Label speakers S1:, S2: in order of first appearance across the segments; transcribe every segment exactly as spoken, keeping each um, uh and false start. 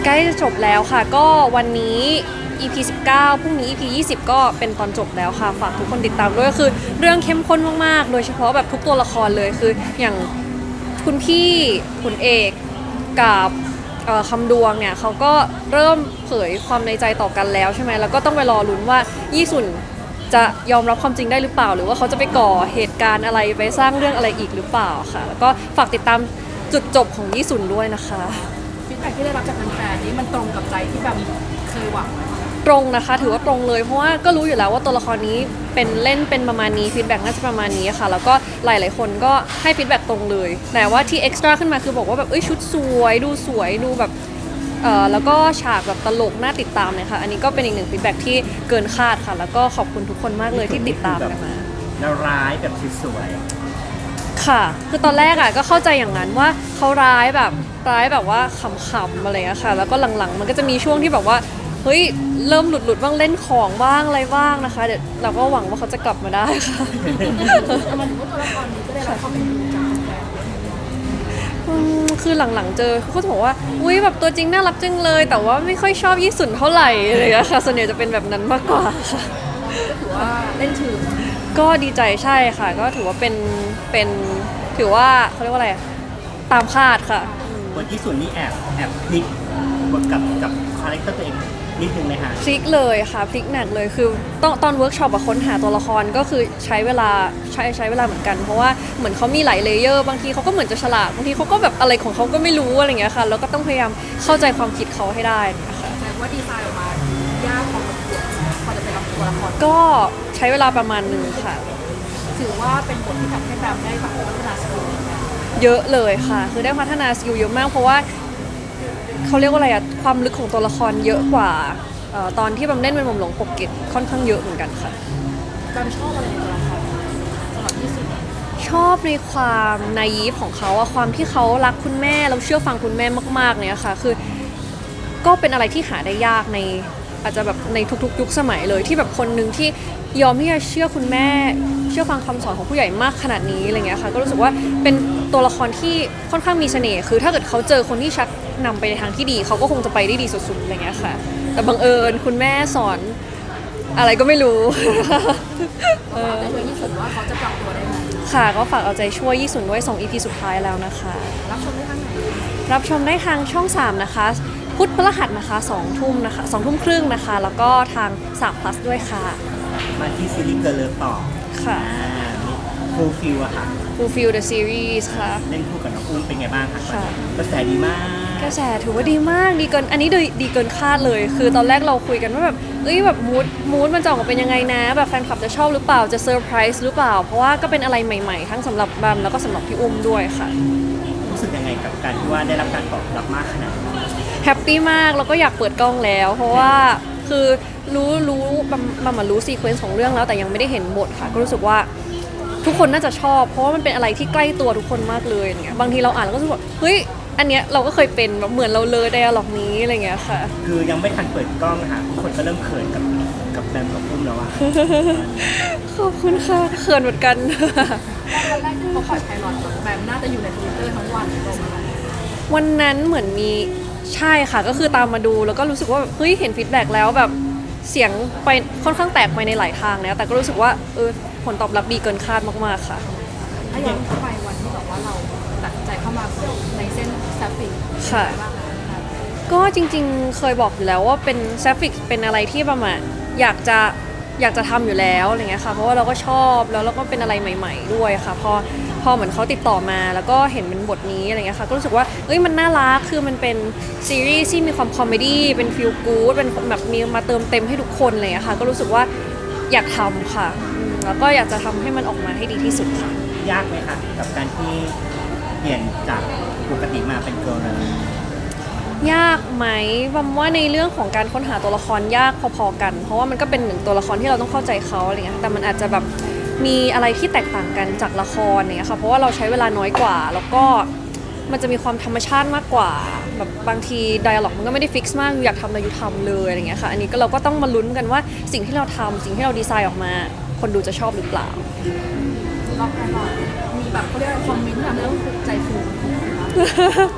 S1: ใกล้จะจบแล้วค่ะก็วันนี้ อี พี สิบเก้าพรุ่งนี้ อี พี ยี่สิบก็เป็นตอนจบแล้วค่ะฝากทุกคนติดตามด้วยคือเรื่องเข้มข้นมากๆโดยเฉพาะแบบทุกตัวละครเลยคืออย่างคุณพี่ขุนเอกกับเอ่อคำดวงเนี่ยเขาก็เริ่มเผยความในใจต่อกันแล้วใช่ไหมแล้วก็ต้องไปรอลุ้นว่ายี่สุนจะยอมรับความจริงได้หรือเปล่าหรือว่าเขาจะไปก่อเหตุการณ์อะไรไปสร้างเรื่องอะไรอีกหรือเปล่าค่ะแล้วก็ฝากติดตามจุดจบของยี่สุนด้วยนะคะ
S2: ฟีดแบ็กที่ได้รับจากแฟนๆนี้มันตรงกับใจที่แบบเคยหวังไหม
S1: ตรงนะคะถือว่าตรงเลยเพราะว่าก็รู้อยู่แล้วว่าตัวละครนี้เป็นเล่นเป็นประมาณนี้ฟีดแบ็กน่าจะประมาณนี้ค่ะแล้วก็หลายๆคนก็ให้ฟีดแบ็กตรงเลยแต่ว่าที่เอ็กซ์ตร้าขึ้นมาคือบอกว่าแบบเอ้ยชุดสวยดูสวยดูแบบเอ่อแล้วก็ฉากแบบตลกน่าติดตามเนี่ยค่ะอันนี้ก็เป็นอีกหนึ่งฟีดแบ็กที่เกินคาดค่ะแล้วก็ขอบคุณทุกคนมากเลยที่ติดตามกันมา
S3: แล้วร้ายแบบสวย
S1: ค่ะคือตอนแรกอ่ะก็เข้าใจอย่างนั้นว่าเขาร้ายแบบร้ายแบบว่าขำๆอะไรอย่างเงี้ยค่ะแล้วก็หลังๆมันก็จะมีช่วงที่แบบว่าเฮ้ยเริ่มหลุดๆบ้างเล่นของบ้างอะไรบ้างนะคะเดี๋ยวเราก็หวังว่าเขาจะกลับมาได้ค่ะ
S2: มันถือว่าตัวละครนี้ก็ได้รับความเป็นดูจากแฟน
S1: อืมคือหลังๆเจอเขาก็จะบอกว่าอุ้ยแบบตัวจริงน่ารักจังเลย แต่ว่าไม่ค่อยชอบยี่สุนเท่าไหร่อะไรอย่างเงี้ยค่ะส่วนใหญ่จะเป็นแบบนั้นมากกว่าค่ะ
S2: ก็ถือว่าเล่นถึง
S1: ก็ดีใจใช่ค่ะ ก็ถือว่าเป็นเป็นถือว่าเขาเรียกว่าอะไรอะตามคาดค่ะ
S3: ๆบทที่สุดนี่แอบแอบพลิกบทกับกับคาแรคเตอร์ตัวเองนิดนึงไหมฮะ
S1: พลิกเลยค่ะพลิกหนักเลยคือตอนตอนเวิร์กช็อปอะค้นหาตัวละครก็คือใช้เวลาใช้ใช้เวลาเหมือนกัน เพราะว่าเหมือนเขามีหลายเลเยอร์บางทีเขาก็เหมือนจะฉลาดบางทีเขาก็แบบอะไรของเขาก็ไม่รู้อะไรอย่างเงี้ยค่ะแล้วก็ต้องพยายามเข้าใจความคิดเขาให้ได้นะคะ
S2: แต่ว่าดีไซน์ออกมายากพอสมควรพอจะเป็นตัวละคร
S1: ก็ใช้เวลาประมาณหนึ่งค่ะ
S2: ถือว่าเป็นบทที่ทำให้แบมได้แบบพัฒนาสกิล
S1: เยอะเลยค่ะ คือได้พัฒนาสกิลเยอะมากเพราะว่าเขาเรียกว่าอะไรอะความลึกของตัวละครเยอะกว่าเอ่อตอนที่บัมเล่นเป็นหม่อมหลวงปกเกตค่อนข้างเยอะเหมือนกันค่ะ
S2: แบมชอบอะไรในตัวละครสำหรับที่สุด
S1: ชอบในความนายีฟของเขาอะความที่เขารักคุณแม่แล้วเชื่อฟังคุณแม่มากๆเนี่ยค่ะคือก็เป็นอะไรที่หาได้ยากในอาจจะแบบในทุกๆยุคสมัยเลยที่แบบคนหนึ่งที่ยอมที่จะเชื่อคุณแม่เชื่อฟังคำสอนของผู้ใหญ่มากขนาดนี้อะไรเงี้ยค่ะก็รู้สึกว่าเป็นตัวละครที่ค่อนข้างมีเสน่ห์คือถ้าเกิดเขาเจอคนที่ชักนำไปในทางที่ดีเขาก็คงจะไปได้ดีสุดๆอะไรเงี้ยค่ะแต่บังเอิญคุณแม่สอนอะไรก็ไม่รู้
S2: เออแต่ตัวที่สุดว่าเขาจะปรับตัวได้ไหม
S1: ค่ะก็ฝากเอาใจช่วยยี่สุนด้วยสอง อี พี สุดท้ายแล้วนะคะ
S2: รับชมได้ทางไหน
S1: รับชมได้ทางช่องสามนะคะ พุธพฤหัสนะคะสองทุ่มนะคะสองทุ่มครึ่งนะคะ แล้วก็ทางสาม plus ด้วยค่ะ
S3: มาที่ซีรีส์เกิร์ลเลิฟต่อ
S1: ค่ะ
S3: ฟูลฟิลอะค่ะ
S1: Fulfill the series ค่ะ
S3: เล่นคู่กับน้องอุ้มเป็นไงบ้างคะ
S1: ค่ะ
S3: กระแสดีมาก
S1: กระแสถือว่าดีมากดีเกินอันนี้ดีดีเกินคาดเลย คือตอนแรกเราคุยกันว่าแบบเอ้ยแบบมูดมูดมันจะออกมาเป็นยังไงนะ แบบแฟนคลับจะชอบหรือเปล่าจะเซอร์ไพรส์หรือเปล่า เพราะว่าก็เป็นอะไรใหม่ๆ ทั้งสำหรับบัมแล้วก็สำหรับพี่อุ้มด้วยค่ะ
S3: รู้สึกยังไงกับการที่ว่าได้รับการตอบรับมากขนาดนี้
S1: แฮปปี้มากแล้วก็อยากเปิดกล้องแล้ว เพราะว่าคือรู้รู้บัมบัมมารู้ซีเควนซ์ของเรื่องแล้วแต่ยังไม่ได้เห็นบทค่ะ ก็รู้สึกว่าทุกคนน่าจะชอบ เพราะว่ามันเป็นอะไรที่ใกล้ตัวทุกคนมากเลยอย่างเงี้ยบางทีเราอ่านแล้วก็รู้สึกว่าเฮ้ยอันเนี้ยเราก็เคยเป็นแบบเหมือนเราเลยไดอะล็อกนี้อะไรเงี้ยค่ะ
S3: คือยังไม่ทันเปิดกล้องอะค่ะทุกคนก็เริ่มเขินกับกับแบมกับอุ้มแล้วอะ
S1: ขอบคุณค่ะเขินเหมือนกัน
S2: ตอนแรกที่เขาปล่อยไพลอตแบมน่าจะอยู่ในทวิตเตอร์ทั้งวันตรงนั้น
S1: วันนั้นเหมือนมีใช่ค่ะก็คือตามมาดูแล้วก็รู้สึกว่าเฮ้ยเห็นฟีดแบ็กแล้วแบบเสียงไปค่อนข้างแตกไปในหลายทางแล้วแต่ก็รู้สึกว่าเออผลตอบรับดีเกินคาดมากๆค่ะ
S2: ถ้าย้อนกลับไปวันที่แบบว่าเราตัดสินใจเข้ามาในเส้นแซฟฟิก
S1: ค่ะ ก็จริงๆเคยบอกอยู่แล้วว่าเป็นแซฟิกเป็นอะไรที่ประมาณอยากจะอยากจะทำอยู่แล้วอะไรเงี้ยค่ะเพราะว่าเราก็ชอบแล้วเราก็เป็นอะไรใหม่ ๆ ด้วยค่ะพอพอเหมือนเขาติดต่อมาแล้วก็เห็นเป็นบทนี้อะไรเงี้ยค่ะก็รู้สึกว่าเอ้ยมันน่ารักคือมันเป็นซีรีส์ที่มีความคอมเมดี้เป็นฟีลกู๊ดเป็นแบบมีมาเติมเต็มให้ทุกคนอะไรเงี้ยค่ะก็รู้สึกว่าอยากทำค่ะอืมแล้วก็อยากจะทำให้มันออกมาให้ดีที่สุดค่ะ
S3: ยากไหมคะกับการที่เปลี่ยนจากปกติมาเป็นเกิร์ลเลิฟ
S1: ยากไหมบัมว่าในเรื่องของการค้นหาตัวละครยากพอๆกัน เพราะว่ามันก็เป็นหนึ่งตัวละครที่เราต้องเข้าใจเขาอะไรเงี้ยแต่มันอาจจะแบบมีอะไรที่แตกต่างกันจากละครเนี่ยค่ะเพราะว่าเราใช้เวลาน้อยกว่า แล้วก็มันจะมีความธรรมชาติมากกว่าแบบบางทีไดอะล็อกมันก็ไม่ได้ฟิกซ์มากอยู่อยากทำอะไรอยู่ทำเลยอะไรเงี้ยค่ะอันนี้ก็เราก็ต้องมาลุ้นกันว่าสิ่งที่เราทำสิ่งที่เราดีไซน์ออกมา คนดูจะชอบหรือเปล่า
S2: รอบไพลอตมีแบบเขาเรียกว่าคอมเมนต์ทำให้เราถูกใจฟู
S1: ช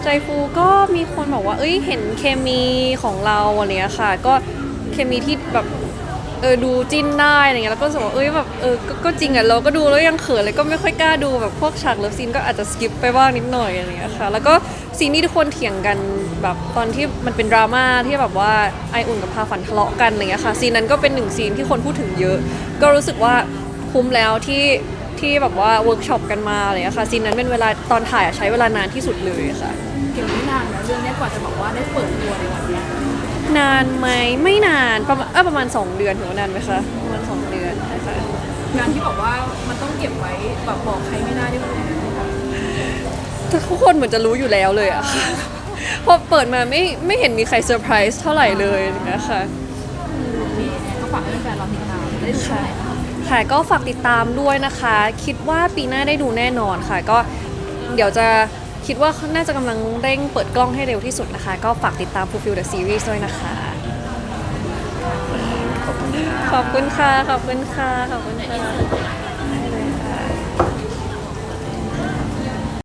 S1: ใจฟูก็มีคนบอกว่าเอ้ยเห็นเคมีของเราอะไรเงี้ยค่ะ ก็เคมีที่แบบเออดูจิ้นได้อะไรเงี้ยแล้วก็รู้สึกว่าเอ้ยแบบเออก็ก็จริงอ่ะเราก็ดูแล้วยังเขินเลยก็ไม่ค่อยกล้าดูแบบพวกฉากเลิฟซีนก็อาจจะสกิปไปบ้างนิดหน่อยอะไรเงี้ยค่ะแล้วก็ซีนที่ทุกคนเถียงกันแบบตอนที่มันเป็นดราม่าที่แบบว่าไออุ่นกับพาฝันทะเลาะกันอะไรเงี้ยค่ะซีนนั้นก็เป็นหนึ่งซีนที่คนพูดถึงเยอะ ก็รู้สึกว่าคุ้มแล้วที่ที่แบบว่าเวิร์กช็อปกันมาอะไรเงี้ยค่ะซีนนั้นเป็นเวลาตอนถ่ายอะใช้เวลานานที่สุดเลยค่ะ
S2: เกี่ยวไม่นานนะเรื่องนี้กว่าจะบอกว่าได้เปิดตัวในวันเนี้ย
S1: นานไหมไม่นานประมาณเออประมาณสองเดือนถือว่านานไหมคะประมาณสองเดือนนะคะ
S2: งานที่บอกว่ามันต้องเก็บไว้แบบบอกใครไม่ได้ที่มัน
S1: ทุกคนเหมือนจะรู้อยู่แล้วเลยอะ ค่ะพอเปิดมาไม่ไม่เห็นมีใครเซอร์ไพรส์เท่าไหร่เลยนะคะ
S2: มีก็ฝากให้แฟนเราติดตามได้ดูช่องไหนบ้าง
S1: ค่ะก็ฝากติดตามด้วยนะคะ คิดว่าปีหน้าได้ดูแน่นอนค่ะ ก็เดี๋ยวจะคิดว่าน่าจะกำลังเร่งเปิดกล้องให้เร็วที่สุดนะคะ ก็ฝากติดตาม Fulfill the Series ด้วยนะคะ
S3: ขอบคุณค่ะ
S1: ขอบคุณค่ะ ขอบคุณค่ะ ขอบคุณค่ะ